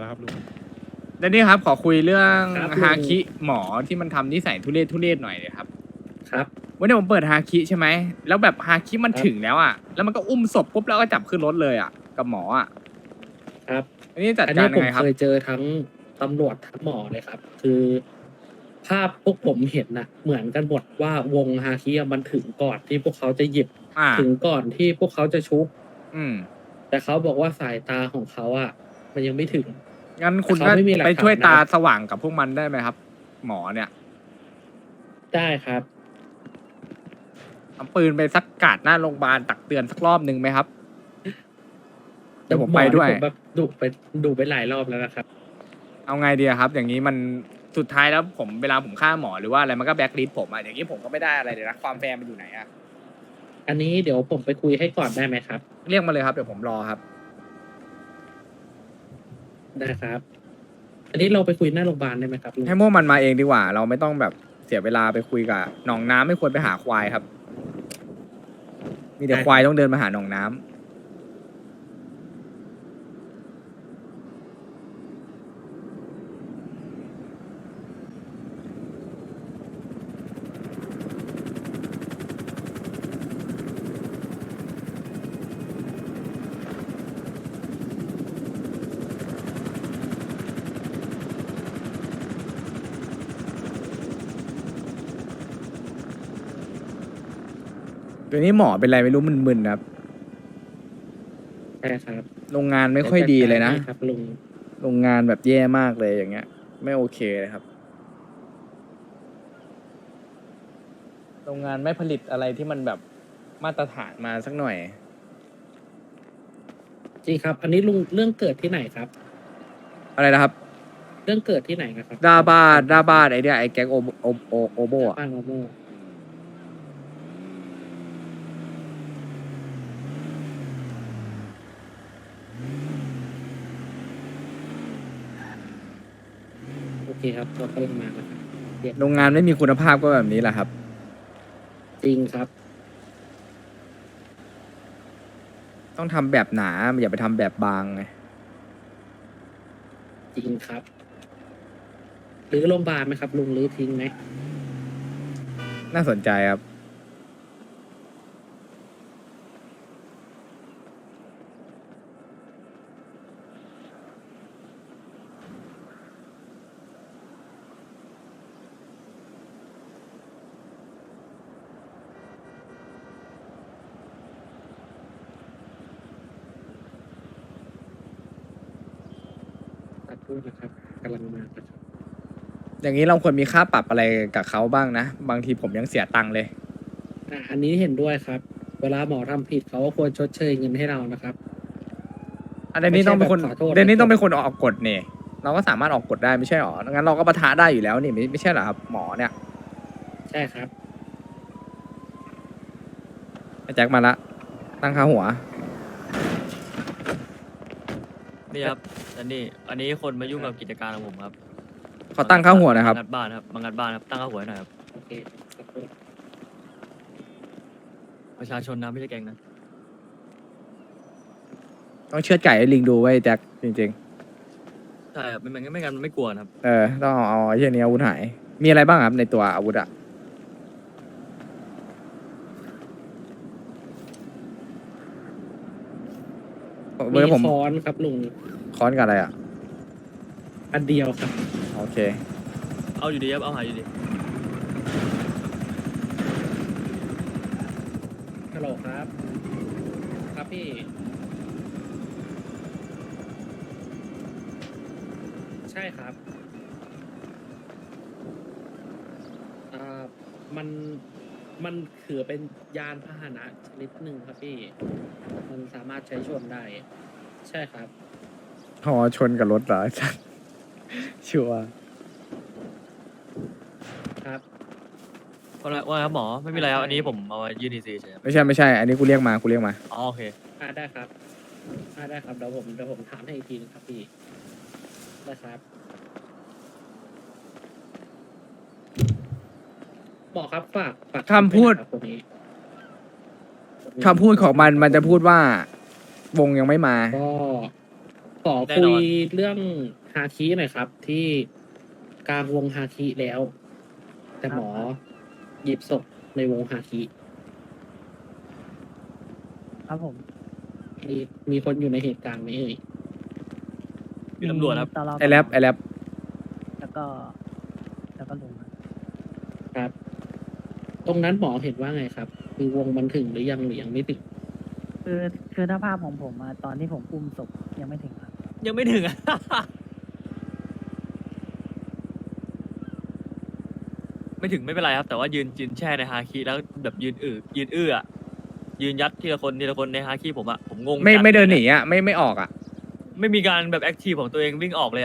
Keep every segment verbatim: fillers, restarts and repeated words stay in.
แล้วครับลุงแล้วนี่ครับขอคุยเรื่องครับฮาลุงคิหมอที่มันทำนิสัยทุเรศทุเรศหน่อยเลยครับครับวันนี้ผมเปิดฮาคิใช่ไหมแล้วแบบฮาคิมันครับถึงแล้วอ่ะแล้วมันก็อุ้มศพปุ๊บแล้วก็จับขึ้นรถเลยอ่ะกับหมออ่ะครับอันนี้จัดอันการนี้ยัผงมไงครับเคยเจอทั้งตำรวจทั้งหมอเลยครับ คือ ภาพพวกผมเห็นน่ะ เหมือนกันหมดว่าวงฮาคิอะมันถึงก่อนที่พวกเขาจะหยิบอ่าถึงก่อนที่พวกเขาจะชุบอืมแต่เขาบอกว่าสายตาของเขาอ่ะ มันยังไม่ถึงงั้นคุณแต่ก็เขาไม่มีหลักไปช่วยฐานตานะครับสว่างกับพวกมันได้ไหมครับ หมอเนี่ยได้ครับเอาปืนไปสักกาดหน้าโรงพยาบาลตักเตือนสักรอบหนึ่งไหมครับ เดี๋ยวผมหมไปอนี่ด้วยผมแบบดุไปดุไปหลายรอบแล้วนะครับเอาไงดีอะครับ อย่างนี้มันสุดท้ายแล้วผมเวลาผมฆ่าหมอหรือว่าอะไรมันก็แบ็คลิสต์ผมอะอย่างนี้ผมก็ไม่ได้อะไรเลยนะความแฟร์มันอยู่ไหนอะอันนี้เดี๋ยวผมไปคุยให้ก่อนได้ไหมครับเรียกมาเลยครับเดี๋ยวผมรอครับได้ครับ อันนี้เราไปคุยหน้าโรงพยาบาลได้ไหมครับลุงให้พวกมันมาเองดีกว่า เราไม่ต้องแบบเสียเวลาไปคุยกับหนองน้ำไม่ควรไปหาควายครับ มีแต่ควายต้องเดินมาหาหนองน้ำ ตัวนี้หมอเป็นไรไม่รู้มึนๆครับใช่ครับโรงงานไม่ค่อยดีเลยนะดี๋วจัดการให้ครับลุงโรงงานแบบแย่มากเลยอย่างเงี้ย ไม่โอเคเลยครับ โรงงานไม่ผลิตอะไรที่มันแบบมาตรฐานมาสักหน่อยจริงครับ อันนี้ลุงเรื่องเกิดที่ไหนครับอะไรนะครับเรื่องเกิดที่ไหนนะครับดาบาดาบาดไอเดียไอแก๊งโอโอโอโอโบอะบ้านโมโมโอเคครับเรากำลังมาแล้วครับเดี๋ยวโรงงานไม่มีคุณภาพก็แบบนี้แหละครับจริงครับต้องทำแบบหนาอย่าไปทำแบบบางไงจริงครับ หรือโรงพยาบาลไหมครับ ลุงหรือทิ้งไหมน่าสนใจครับตัดพูดนะครับกำลังมานะครับอย่างนี้เราควรมีค่าปรับอะไรกับเขาบ้างนะ บางทีผมยังเสียตังค์เลยอ่ะอันนี้เห็นด้วยครับ เวลาหมอทำผิดเขาก็ควรชดเชยเงินให้เรานะครับอันนี้ต้องเป็นคนไม่ใช่แบบขอโทษเดนนี้ต้องเป็นคนออกกฎเนี่ยเราก็สามารถออกกฎได้ไม่ใช่หรองั้นเราก็ปะทะได้อยู่แล้วนี่ไม่ไม่ใช่เหรอครับหมอเนี่ยใช่ครับไอ้แจ็คมาละตั้งค่าหัวนี่ครับอันนี้อันนี้คนมายุ่งกับกิจการของผมครับเขาตั้งค่าหัวนะครับมางัดบ้านครับมางัดบ้านครับตั้งค่าหัวให้หน่อยครับโอเคสักครู่ประชาชนนะไม่ใช่แกงนะต้องเชือดไก่ให้ลิงดูไว้แจ็คจริงใช่ครับไม่งั้นไม่งั้นมันไม่กลัวนะครับๆ เออต้องเอาเอาไอ้เช่นนี้อาวุธหาย มีอะไรบ้างครับในตัวอาวุธอะเมื่อมีผมค้อนครับลุงค้อนกับอะไรอะอันเดียวครับโอเคเอาอยู่ดีครับเอาหายอยู่ดีฮัลโหลครับ ครับพี่ ใช่ครับอ่ามัน มันถือเป็นยานพาหนะชนิดหนึ่งครับพี่ มันสามารถใช้ชนได้ ใช่ครับพอชนกับรถเหรอ จัดชัวร์ครับว่าไงว่าไงครับหมอไม่มีอะไรครับอันนี้ผมเอาไว้ยื่นดีซีเฉยครับไม่ใช่ไม่ใช่ อันนี้กูเรียกมากูเรียกมาอ๋อโอเคอ่าได้ครับอ่าได้ครับ เดี๋ยวผมเดี๋ยวผมถามให้อีกทีนึงครับพี่ ได้ครับหมอครับฝากฝากคำพูดครับคนนี้คำพูดของมันมันจะพูดว่า วงยังไม่มาก็ขอแน่คุนยอนเรื่องฮาคิหน่อยครับ ที่กลางวงฮาคิแล้ว แต่หมอหยิบศพในวงฮาคิครับผมมีมีคนอยู่ในเหตุการณ์ไหมเอ่ยมีตำรวจครับตลอดไอแรปไอแรปแล้วก็ แล้วก็ลุงครับครับ ตรงนั้นหมอเห็นว่าไงครับ คือวงมันถึงหรือยังหรือยังไม่ถึงคือคือถ้าภาพของผมอะตอนที่ผมอุ้มศพยังไม่ถึงครับยังไม่ถึงอะ ไม่ถึงไม่เป็นไรครับ แต่ว่ายืนยืนแช่ในฮาคิแล้วแบบยืนอือยืนอื้ออะยืนยัดทีละคนทีละคนในฮาคิผมอะผมงงไม่จัไม่เดินหลนียอ่ะไม่ไม่ออกอ่ะไม่มีการแบบแอคทีฟของตัวเองวิ่งออกเลยอะ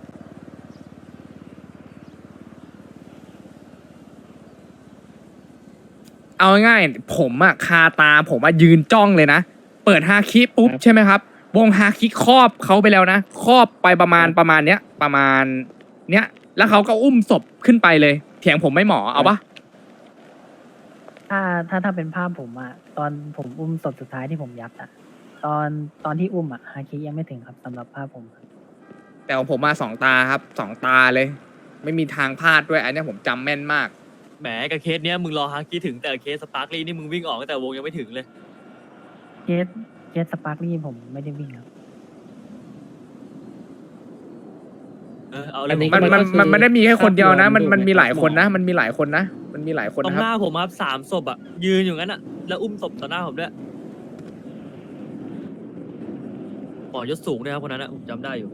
เอาง่ายๆผมอะคาตาผมอะยืนจ้องเลยนะ เปิดฮาคิปุ๊บครับใช่ไหมครับ วงฮาคิครอบเขาไปแล้วนะครอบไปประมาณครับประมาณเนี้ยประมาณเนี้ยแล้วเขาก็อุ้มศพขึ้นไปเลย เถียงผมไม่หมอเอาปะถ้าถ้าถ้าเป็นภาพผมอะตอนผมอุ้มศพสุดท้ายที่ผมยัดอะตอนตอนที่อุ้มอะฮาคิยังไม่ถึงครับสำหรับภาพผมครับแต่ของผมมาสองตาครับสองตาเลย ไม่มีทางพลาดด้วยอันเนี้ยผมจำแม่นมากแหมกับเคสเนี้ยมึงรอฮาคิถึงแต่เคสสปาร์คลี่นี่มึงวิ่งออกตั้งแต่วงยังไม่ถึงเลยเคสเคสสปาร์คลี่ผมไม่ได้วิ่งครับเออเอาเลอัยนนี้มันก็มันคือมันไม่ได้มีแค่คนเดียวนะ มันภาพรวมมันมีหลายคนนะหมอมันมีหลายคนนะ มันมีหลายคนตรงนะคหรับน้าผมครับสามศพอะยืนอยู่งั้นอะแล้วอุ้มศพต่อหน้าผมด้วยหมอยศสูงด้วยครับคนนั้นอะผมจำได้อยู่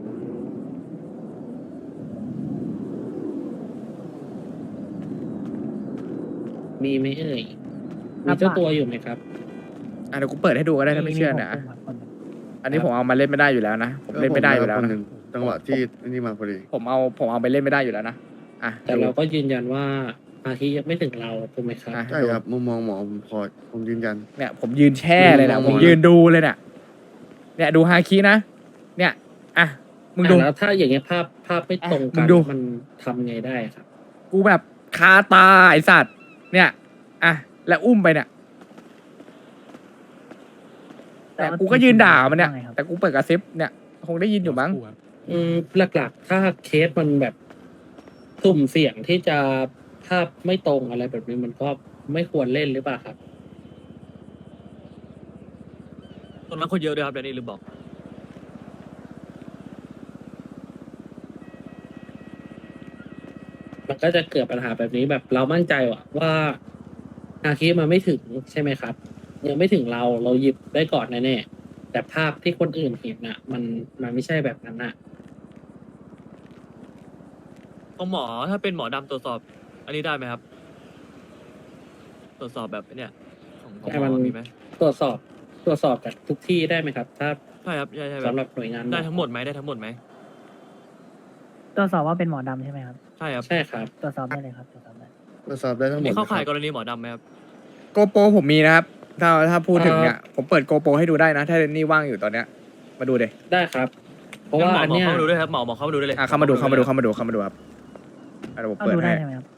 มีไหมเอ่ยครัมีบเจ้าตัวอยู่ไหมครับอ่ะเดี๋ยวกูเปิดให้ดูก็ได้ถ้าไม่เชื่อนะผมอุ้มครับคนหนึ่งอันนี้ผมเอามาเล่นไม่ได้อยู่แล้วนะ ผมเล่นไม่ได้อยู่แล้วคนนะหนึ่งจังหวะที่นี่มาพอดีผมเอาผมเอาไปเล่นไม่ได้อยู่แล้วนะอ่ะแต่เราก็ยืนยันว่าฮาคิยังไม่ถึงเราถูกไหมครับอ่ะใช่ครับ มุมมองหมอผมพอผมยืนยันเนี่ยผมยืนแช่เลยนะดูผมหมอยืนดูเลยเนี่ยเนี่ยดูฮาคินะ เนี่ยอ่ะมึงดูอ่ะแล้วถ้าอย่างเงี้ยภาพภาพไม่ตรงอ่ะมึกันงดูมันทำไงได้ครับกูแบบคาตาไอสัตว์เนี่ยอ่ะแล้วอุ้มไปเนี่ยแต่กูก็ยืนด่ามันเนี่ยว่าไงครับแต่กูเปิดกระซิบเนี่ยคงได้ยินอยู่มั้งอืมหลักๆ ถ้าเคสมันแบบสุ่มเสี่ยงที่จะภาพไม่ตรงอะไรแบบนี้มันก็ไม่ควรเล่นหรือเปล่าครับตรงนั้นคนเยอะด้วยครับเดนนี่ลืมบอกมันก็จะเกิดปัญหาแบบนี้แบบเรามั่นใจว่าว่าอาคีมันไม่ถึงใช่ไหมครับ ยังไม่ถึงเราเราหยิบได้ก่อนแน่ๆแต่ภาพที่คนอื่นเห็นน่ะ มันมันไม่ใช่แบบนั้นน่ะของหมอถ้าเป็นหมอดำตรวจสอบ อันนี้ได้ไหมครับ ตรวจสอบแบบเนี่ยของของแต่หมมันอมีไหมตรวจสอบตรวจสอบจากทุกที่ได้ไหมครับ ถ้าใช่ครับใช่ใช่แบสำบหรับหน่วยงานได้ทั้งหมดไหมได้ทั้งหมดไหมตรวจสอบว่าเป็นหมอดำใช่ไหมครับใช่ครับใช่ครับตรวจสอบได้เลยครับตรวจสอบได้ตรวจสอบได้ทั้งหมดนี่เข้าข่ายนะกครับรณีหมอดำไหมครับโกโปรผมมีนะครับ ถ้าถ้าพูดถึงเนี่ย ผมเปิดโกโปรให้ดูได้นะ ถ้าเรนนี่ว่างอยู่ตอนเนี้ย มาดูเดยได้ครับ เพราะว่างั้นหมออันหมอเนี้ยเข้ามาดูด้วยครับหมอหมอเข้ามาดูได้เลยอ่ะเข้ามาดูเข้ามาดูเข้ามาดูเข้ามาดูครับอ่ะเดี๋ยวผมเข้าเปิดดูได้ให้ใช่ไหมครับ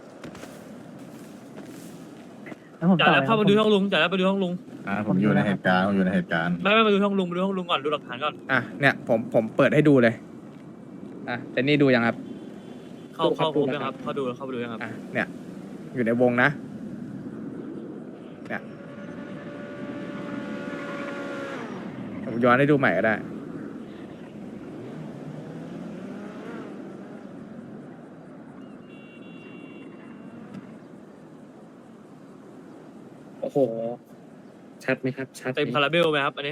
แล้วผมจ่ายต่อแล้วเลยเข้ามาดูผห้องลุงจ่ายแล้วไปดูห้องลุงอ่าผมอยู่ในเหตุการณ์ผมอยู่ในเหตุการณ์ไม่ไม่มาดูห้องลุงมาดูห้องลุงก่อนดูหลักฐานก่อนอ่ะเนี่ยผมผมเปิดให้ดูเลย อ่ะเรนนี่ดูยังครับเข้าเข้าครบยังครับเข้าดูเข้าไปดูยังครับอ่ะเนี่ย อยู่ในวงนะ เนี่ยผมย้อนให้ดูใหม่ก็ได้โอ้โห ชัดไหมครับ ชัดไหเต็มคาราเบลไหมครับอันนี้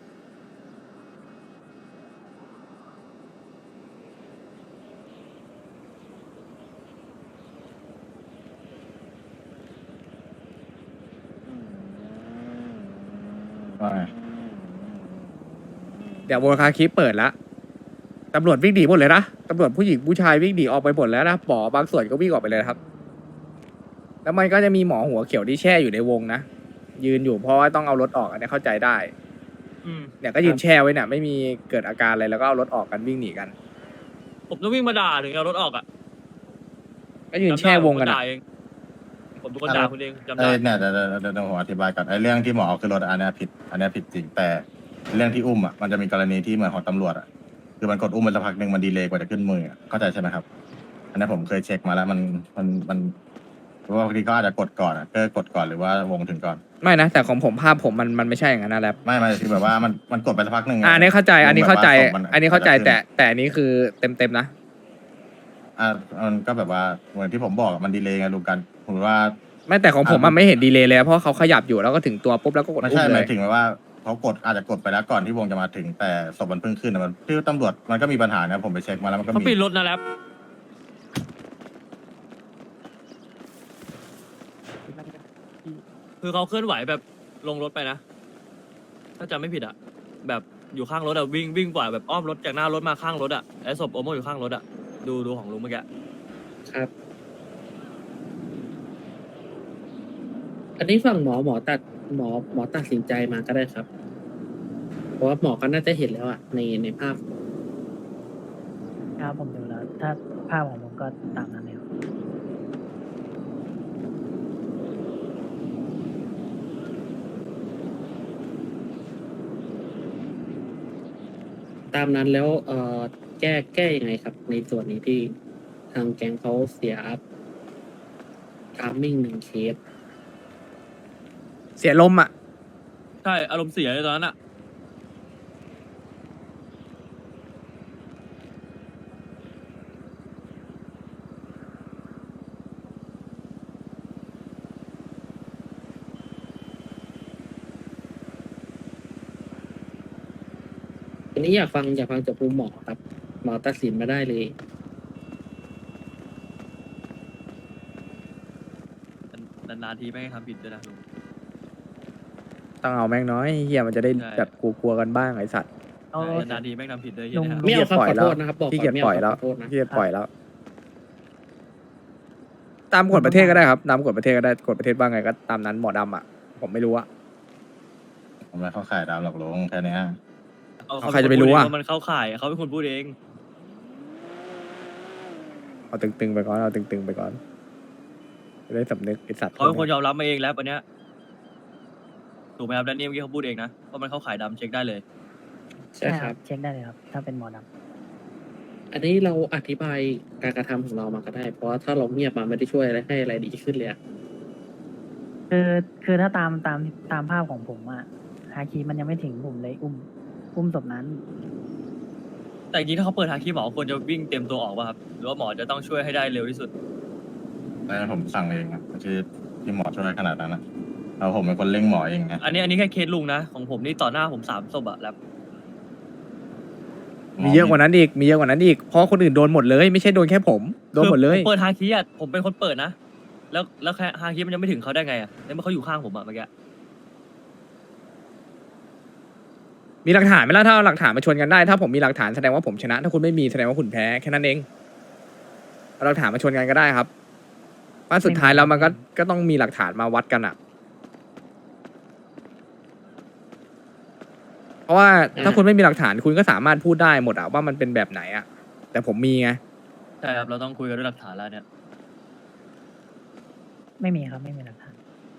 ว่าไงเดี๋ยวโวคาคิเปิดละตำรวจวิ่งหนีหมดเลยนะตำรวจผู้หญิงผู้ชายวิ่งหนีออกไปหมดแล้วนะหมอบางส่วนก็วิ่งออกไปเลยนะครับ แล้วมันก็จะมีหมอหัวเขียวที่แช่อยู่ในวงนะยืนอยู่เพราะว่าต้องเอารถออกอันนี้เข้าใจได้อืมเนี่ยก็ยืนแช่ไว้เนี่ยไม่มีเกิดอาการอะไรแล้วก็เอารถออกกันวิ่งหนีกันผมต้องวิ่งมาด่าถึงเอารถออกอ่ะก็ยืนแช่วงกันจำได้อะผมด่าเองผมเป็นคนด่าคุณเองจำเอ้ได้ยเนี่ยเดี๋ยวเดี๋ยวเดี๋ยวเดี๋ยวผมอธิบายก่อนไอ้เรื่องที่หมอเอาขึ้นรถอันเนี้ยผิด อันเนี้ยผิดจริงแต่เรื่องที่อุ้มอ่ะมันจะมีกรณีที่เหมือนของตำรวจอ่ะคือมันกดอุ้มไปสักพักหนึ่งมันดีเลย์กว่าจะขึ้นมืออะเข้าใจใช่ไหมครับ อันนี้ผมเคยเช็คมาแล้วมันมันมันเพราะว่าบางทีก็อาจจะกดก่อนอะเกอร์กดก่อนหรือว่าวงถึงก่อนไม่นะแต่ของผมภาพผมมันมันไม่ใช่อย่างนั้นนะแรปไม่ไม่คือแบบว่ามันมันกดไปสักพักหนึ่งอ่าอันนี้เข้าใจ อันนี้เข้าใจแบบว่ศพมัะอันนี้เข้าใจจะขึ้แต่แต่อันนี้คือเต็มเต็มๆนะอ่ามันก็แบบว่าเหมือนที่ผมบอกอะมันดีเลย์ไงลุงกันผมว่าไม่แต่ของผมมันอ่าไม่เห็นดีเลย์เลยเพราะเขาขยับอยู่แล้วก็ถึงตัวปุ๊บแล้วก็กดไม่อุ้ใช่มหเลมาย ยถึงว่าเขากดอาจจะกดไปแล้วก่อนที่วงจะมาถึงแต่ศพมันเพิ่งขึ้นอะมันที่ตำรวจมันก็มีปัญหานะผมไปเช็คมาแล้วมันก็เขามีปิดรถนะแรปคือเขาเคลื่อนไหวแบบลงรถไปนะ ถ้าจำไม่ผิดอะแบบอยู่ข้างรถอะวิ่งวิ่งกว่าแบบอ้อมรถจากหน้ารถมาข้างรถอะไอ้ศพโอโมอยู่ข้างรถอะดูดูของลุงเมื่อกี้ครับ อันนี้ฝั่งหมอหมอตัดหมอหมอตัดสินใจมาก็ได้ครับ เพราะว่าหมอก็น่าจะเห็นแล้วอะในในภาพครับผมดูแล้ว ถ้าภาพของผมก็ตามนั้นเลยครับตามนั้นแล้วเอ่อแก้แก้ยังไงครับ ในส่วนนี้ที่ทางแก๊งเขาเสียทามมิ่งหนึ่งเคสเสียลมอ่ะใช่อารมณ์เสียเลยตอนนั้นอะอันนี้อยากฟังอยากฟังจากมุมหมอครับ หมอตัดสินมาได้เลยนานๆทีไม่ให้ทำผิดด้วยนะลุงต้องเอาแม่งน้อยเฮียมันจะได้ใช่แบบกลัวๆกันบ้างไอสัตว์เอานานๆทีไม่งทำผิดเลยลุงเนี่ยไม่เอาครับปล่อยขอแล้โทวษนะครับบอกขี้เกียจไม่ปล่เอาอยแล้วขอโทษนะขี้เกียจปล่อยแล้ว ตามกฎประเทศก็ได้ครับตามกฎประเทศก็ได้กฎประเทศว่าไงก็ตามนั้นหมอดำอ่ะ ผมไม่รู้อะผมไม่เข้าข่ายดาวหรอกลุงแค่เนี้ยเอาใครจะไปรู้อะเขาเป็นคนพูดเงว่ามันเข้าข่ายเขาเป็นคนพูดเองเอาตึงๆไปก่อนเอาตึงๆไปก่อนจะได้สำนึกไอสัตว์เขาเป็นคนยอมรับมาเองแล้ววันเนี้ยถูกไหมครับแดนนี่เมื่อกี้เขาพูดเองนะว่ามันเข้าข่ายดำเช็คได้เลยใช่ครับเช็คได้เลยครับ ถ้าเป็นหมอดอันนี้เราอธิบายการกระทำของเรามาก็ได้ เพราะว่าถ้าเราเงียบมาไม่ได้ช่วยอะไรให้อะไรดีขึ้นเลยอะำคือคือถ้าตามตามตามภาพของผมอะฮาคีมันยังไม่ถึงผมเลยอุ้ม อุ้มศพนั้นแต่จริงๆถ้าเขาเปิดทางที่หมอควรจะวิ่งเต็มตัวออกป่ะครับหรือว่าหมอจะต้องช่วยให้ได้เร็วที่สุดแล้วผมสั่งเองอะไม่ใช่ที่หมอช่วยขนาดนั้นนะเราผมเป็นคนเร่งหมอเองไงอันนี้อันนี้แค่เคสลุงนะของผมนี่ต่อหน้าผมสามศพอะแล้วมีเยอะกว่านั้นอีกมีเยอะกว่านั้นอีกเพราะคนอื่นโดนหมดเลย ไม่ใช่โดนแค่ผมโดนหมดเลยคือผเปิดฮาคิอะผมเป็นคนเปิดนะ แล้วแล้วแค่ฮาคิมันยังไม่ถึงเขาได้ไงอะในเมื่อเขาอยู่ข้างผมอะเมื่อกี้มีหลักฐานไหมล่ะถ้าเอาหลักฐานมาชนกันได้ ถ้าผมมีหลักฐานแสดงว่าผมชนะ ถ้าคุณไม่มีแสดงว่าคุณแพ้แค่นั้นเองเอาหลักฐานมาชนกันก็ได้ครับว่าสุดท้ายแล้วมันก็ก็ต้องมีหลักฐานมาวัดกันอ่ะ เพราะว่าถ้าคุณไม่มีหลักฐานคุณก็สามารถพูดได้หมดอะว่ามันเป็นแบบไหนอะแต่ผมมีไงใช่ครับเราต้องคุยกันด้วยหลักฐานแล้วเนี่ยไม่มีครับ ไม่มีหลักฐาน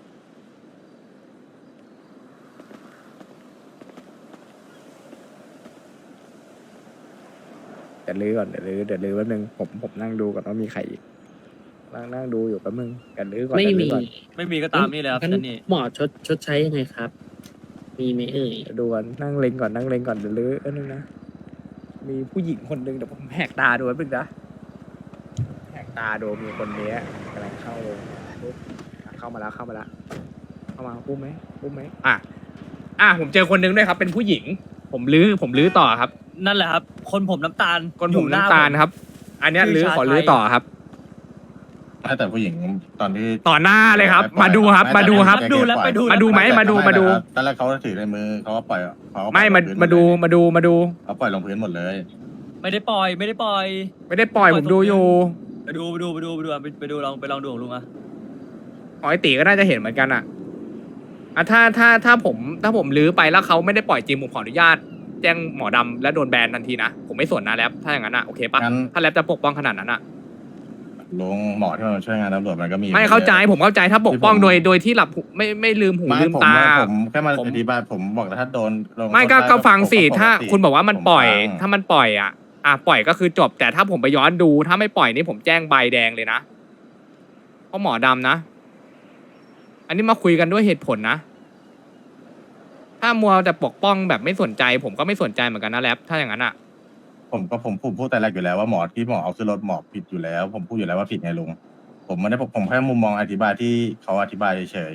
เดี๋ยวลื้อก่อนเดี๋ยวลื้อเดี๋ยวลื้อแป๊บนึงผมผมนั่งดูก่อนว่ามีใครอีกนั่งนั่งดูอยู่แป๊บนึงเดี๋ยวลื้อก่อนไม่เดี๋ยวมีลื้อก่อนไม่มีก็ตามนี่เลยครับงั้นแดนนี่หมอชดชดใช้ยังไงครับ มีไหมเอ่ยเดี๋ยวดูก่อนนั่งเล็งก่อนนั่งเล็งก่อนเดี๋ยวลื้อแป๊บนึงนะมีผู้หญิงคนหนึ่งเดี๋ยวผมแหกตาดูแป๊บนึงนะแหกตาดูมีคนเนี้ยกำลังเข้าปุ๊บอ่ะเข้ามาแล้วเข้ามาแล้วเข้ามาอุ้มไหมอุ้มไหมอ่ะอ่ะผมเจอคนหนึงด้วยครับ เป็นผู้หญิง ผมลื้อผมลื้อต่อครับนั่นแหละครับ คนผมน้ำตาลคนผมอยู่หน้ำตาลครับ อันเนี้ยชื่อลื้อชาขอลื้อชัยต่อครับไม่แต่ผู้หญิงตอนที่ต่อหน้าเลยครับ มาดูครับ มาดูครับดูแล้วไปดูมาดูไหมมาดูมาดูตอนแรกเขาถือในมือเขาก็ปล่อยเขาก็ปล่ไม่อยมาลงพื้นมาดูมาดูมาดูเขาปล่อยลงพื้นหมดเลยไม่ได้ปล่อยไม่ได้ปล่อยไม่ได้ปล่อยผมดูอยู่ไปดูไปดูไปดูไปดูอ่ะไปไปดูลองไปลองดูของลุงอะอ๋อไอตีก็น่าจะเห็นเหมือนกันอ่ะอ่ะถ้าถ้าถ้าผมถ้าผมลื้อไปแล้วเขาไม่ได้ปล่อยจริงผมขออนุญาตแจ้งหมอดำและโดนแบนทันทีนะผมไม่สนนะแรปถ้าอย่างนั้นอ่ะโอเคปะงั้นถ้าแรปจะปกป้องขนาดนั้นอ่ะลุงหมอที่มาช่วยงานตำรวจมันก็มีไม่เข้าใจยอะผมเข้าใจถ้าปกป้องที่ผมโดยโดยที่หลับหูไม่ไม่ลืมหูไม่ลืมผมตาผมแค่มาผมอธิบายผมบอกแล้วถ้าโดนลงไม่ก็โทษด้ก็ฟังสิผมถ้าปติคุณบอกว่ามันปล่อยผมฟังถ้ามันปล่อยอ่ะอ่ะปล่อยก็คือจบ แต่ถ้าผมไปย้อนดู ถ้าไม่ปล่อยนี่ผมแจ้งใบแดงเลยนะเพราะหมอดำนะ อันนี้มาคุยกันด้วยเหตุผลนะ ถ้ามัวแต่ปกป้องแบบไม่สนใจ ผมก็ไม่สนใจเหมือนกันนะแรปถ้าอย่างนั้นอ่ะผมก็ผมผมพูดแต่แรกอยู่แล้วว่าหมอที่หมอเอาขึ้นรถหมอผิดอยู่แล้ว ผมพูดอยู่แล้วว่าผิดไงลุงผมไม่ได้ผมผมแค่มุมมองอธิบายที่เขาอธิบายเฉย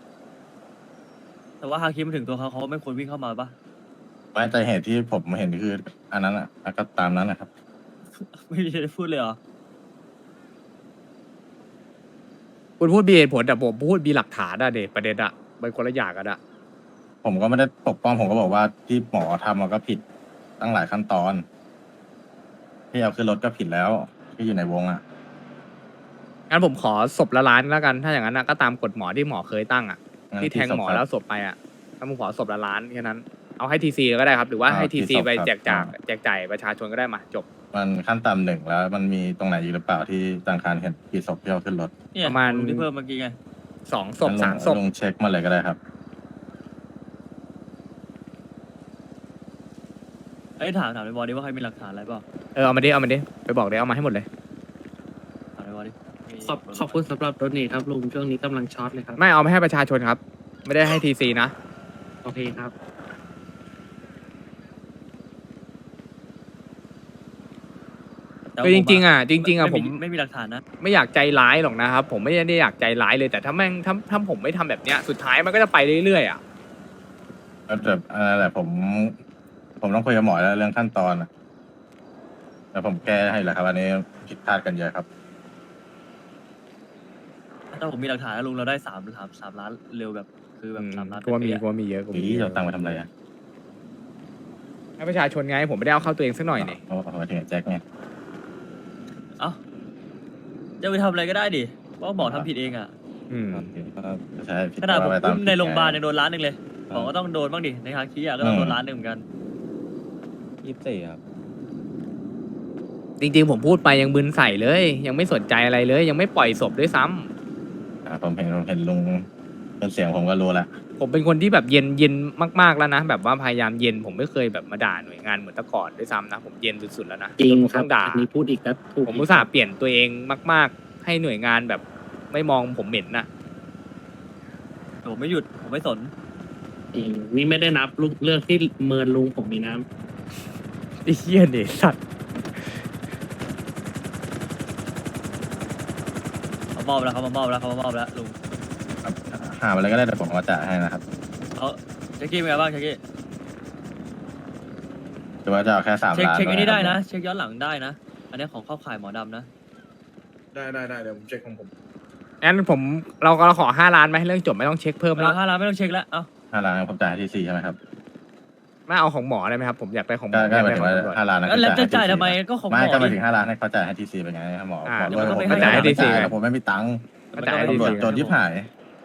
แต่ว่าฮาคิมาถึงตัวเขาเขาไม่ควรวิ่งเข้ามาปะๆไม่แต่เหตุที่ผมเห็นคืออันนั้นอ่ะก็ตามนั้นนะครับไม่มีอะไรพูดเลยเหรอคุณพูดมีเหตุผลแต่ผมพูดมีหลักฐานอะเด็ประเด็นอะเป็นคนละอย่างกันอะผมก็ไม่ได้ปกป้องผมก็บอกว่าที่หมอทำมันก็ผิดตั้งหลายขั้นตอน ที่เอาขึ้นรถก็ผิดแล้วที่อยู่ในวงอ่ะงั้นผมขอศพละล้านแล้วกัน ถ้าอย่างนั้นนะก็ตามกฎหมอที่หมอเคยตั้งอะงั้นที่แทงหมอที่ศพครับแล้วศพไปอ่ะถ้าผมขอศพละล้านแค่นั้น เอาให้ทีซีก็ได้ครับ หรือว่าอ่าให้ทีที่ซีศพไปครับแจกจ่ายอ่าแจกจ่ายประชาชนก็ได้มาจบมันขั้นต่ำหนึ่งแล้ว มันมีตรงไหนอีกหรือเปล่าที่ธนาคารเห็นกี่ศพที่เอาขึ้นรถเนี่ยประมาณลุงที่เพิ่มเมื่อกี้ไงสองศพงั้นลงสามศพลงเช็คมาเลยก็ได้ครับไอ้ยถามถามในบอดี้ว่าใครมีหลักฐานอะไรเปล่าเออเอามาดิเอามาดิไปบอกเลยเอามาให้หมดเลยถามในบอดี้ขอบขอบคุณสำหรับรถนี่ครับลุงช่วงนี้กำลังช็อตเลยครับไม่เอามาให้ประชาชนครับ ไม่ได้ให้ทีซีนะโอเคครับแต่คือจริงๆอ่ะจริงๆอ่ะผมไม่มีหลักฐานนะไม่อยากใจร้ายหรอกนะครับ ผมไม่ได้อยากใจร้ายเลยแต่ถ้าแม่งถ้าถ้าผมไม่ทำแบบเนี้ยสุดท้ายมันก็จะไปเรื่อยๆอ่ะแล้วแต่อะไรแหละผม ผมต้องคุยกับหมอแล้วเรื่องขั้นตอนอะแต่ผมแก้ให้แหละครับอันนี้ผิดพลาดกันเยอะครับถ้าผมมีหลักฐานแล้วลุงเราได้สามสามสามล้านเร็วแบบ คือแบบอืมสามล้านกลัวมีเป๊ะๆกลัวมีเยอะกลัวมีอีเยเราอะตังค์มาทำอะไรอ่ะให้ประชาชนไงผมไม่ได้เอาเข้าตัวเองสักหน่อยนี่โอ้โหถึงแจ็คไงเอ้าจะไปทำอะไรก็ได้ดิเพราะบอกทำผิดเองอ่ะอืมโอเคก็ใช่ผิดขนาดผมก็ไปตอุ้มในโรงพยาบาลผิยังดโดนล้านหนึ่งเลยบอกก็ต้องโดนบ้างดิในฮาคิอ่ะก็ต้องโดนล้านหนึ่งเหมือนกันยี่สิบสี่ครับจริงๆผมพูดไปยังบึนใส่เลย ยังไม่สนใจอะไรเลย ยังไม่ปล่อยศพด้วยซ้ำอ่าผมเห็นผมเห็นลุงเป็นเสียงผมก็รู้แล้วผมเป็นคนที่แบบเย็นเย็นมากๆแล้วนะแบบว่าพยายามเย็นผมไม่เคยแบบมาด่าหน่วยงานเหมือนแต่ก่อนด้วยซ้ำนะผมเย็นสุดๆแล้วนะจริงผมครับต้องด่าอันนี้พูดอีกแล้วถูกผมอุตส่าห์เปลี่ยนตัวเองมาก ๆ ให้หน่วยงานแบบไม่มองผมเหม็นน่ะผมไม่หยุดผมไม่สนจริงนี่ไม่ได้นับลุงเรื่องที่เมินลุงผมมีน้ไอ้เหี้ยเด็สัตว์เขามอบแล้วเขามามอบแล้วเขามามอบแล้วลุงครับหามาเลยก็ได้แต่ผมก็จ่ายให้นะครับเขาเช็คกี้เป็นไงบ้างเช็คกี้หรือว่าจะเอาแค่สามเช็คล้านเช็คอันนี้หมได้นะ เช็คย้อนหลังได้นะ อันนี้ของเข้าข่ายหมอดำนะได้ได้ได้เดี๋ยวผมเช็คของผมงั้นผมเราก็ขอห้าล้านไหมเรื่องจบไม่ต้องเช็คเพิ่มเวแล้ลาว ห้าล้านไม่ต้องเช็คแล้ว เอ้าห้าล้านผมจ่ายให้ทีซีใช่ไหมครับไม่เอาของหมอได้ไหมครับ ผมอยากได้ของหมก็อก็อยากหมายได้ถึงของว่าตำรวจห้าล้านนั้นแล้วจะจ่ายให้ทำไมทีซีก็ของหมไม่อก็หมายดิถึงห้าล้านให้เขาจ่ายให้ทีซีไปไงหมออ่าบอกว่าเดี๋ยวมันก็ผมไม่ไม่ให้จ่ายให้ทีซีไงผมไม่มีตังค์ก็จ่ายให้ตำรวจทีซีโจรยิบหาย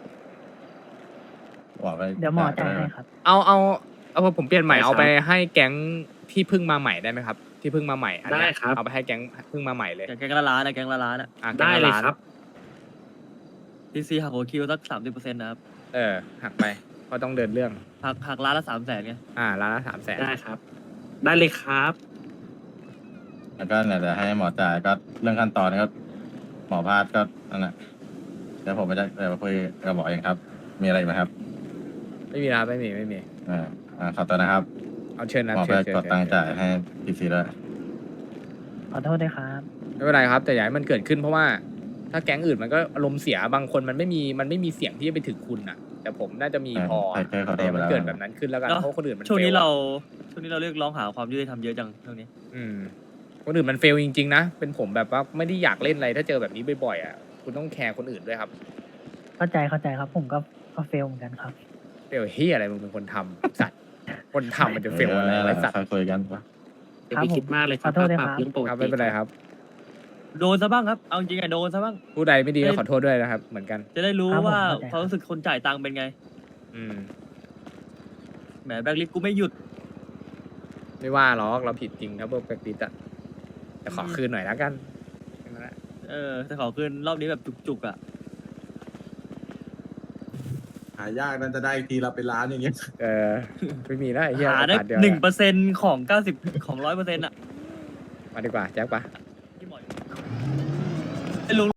บอกไปเดี๋ยวหมอจ่ายให้ครับเอาเอาเอาผมเปลี่ยนใหม่ได้ครับเอาไปให้แก๊งที่เพิ่งมาใหม่ได้ไหมครับ ที่เพิ่งมาใหม่อันเนี้ยได้ครับเอาไปให้แก๊งเพิ่งมาใหม่เลยแกงละล้านนะแกงละล้านอ่ะอ่ะำแก๊งได้ละเลยล้านครับทีซีหักหัวคิวสักสามสิบเปอร์เซ็นต์นะครับเออหักไปเพราะต้องเดินเรื่องหักหักล้านละสามแสนไงอ่าล้านละสามแสนได้ครับ ได้เลยครับแล้วก็เนี่ยเดี๋ยวให้หมอจ่ายก็เรื่องขั้นตอนก็หมอพาดก็นั่นแหละเดี๋ยวผมไปจะเดี๋ยวไปคุยกับหมอเองครับ มีอะไรอีกไหมครับไม่มีนะครับไม่มีไม่มีอ่าอ่าขอตัวนะครับเอาเชิญนะหมอเชิไปญเชิญกดตังค์จ่ายให้ทีซีด้วยขอโทษด้วยครับไม่เป็นไรครับ แต่อย่าให้มันเกิดขึ้นเพราะว่า ถ้าแก๊งอื่นมันก็อารมณ์เสียบางคนมันไม่มีมันไม่มีเสียงที่จะไปถึงคุณอ่ะ แต่ผมน่าจะมีพอใช่ใช่ขอโทษแต่อย่ามันไปแล้วเกิดแบบนั้นขึ้นแล้วกันเนอะเพราะคนอื่นมันช่วงนี้ฟลเรา ช่วงนี้เราเรียกร้องหาความยุติธรรมเยอะจังช่วงนี้อืมคนอื่นมันเฟลจริงๆนะเป็นผมแบบว่าไม่ได้อยากเล่นอะไรถ้าเจอแบบนี้บ่อยๆอ่ะคุณต้องแคร์คนอื่นด้วยครับเข้าใจเข้าใจครับ ผมก็ก็เฟลเหมือนกันครับเฟลเฮียอะไรมึงเป็นคนทำ สัตว์คนทำมันจะเฟลอะไรไว้สัตว์ค่อยคุยกันปะอย่าไปคิดมากเลยครับขอโทษด้วยปครัรับบ เรื่องปกครับติไม่เป็นไรครับโดนซะบ้างครับ เอาจริงๆไงโดนซะบ้างผู้ใดไม่ดีก็ขอโทษด้วยนะครับ เหมือนกันจะได้รู้ครับผมว่าเข้าใจความรู้สึกคนจ่ายตังค์เป็นไงอืมแหมแบล็คลิสต์กูไม่หยุดไม่ว่าหรอกเราผิดจริงครับพวกแบล็คลิสต์อะแต่ขอคืนหน่อยแล้วกันแค่นั้นแหละเอเออแต่ขอคืนรอบนี้แบบจุกๆอ่ะหายากนั่นจะได้ทีละเป็นล้านอย่างเงี้ยเออไม่มีแล้วไอ้เหี้ยหาได้โอกสเดียวหนึ่งแหเปอละร์เซ็นต์ของเก้าสิบของร้อยเปอร์เซ็นต์อ่ะมาดีกว่าแจ็คปะที่หมอไอ้ลุง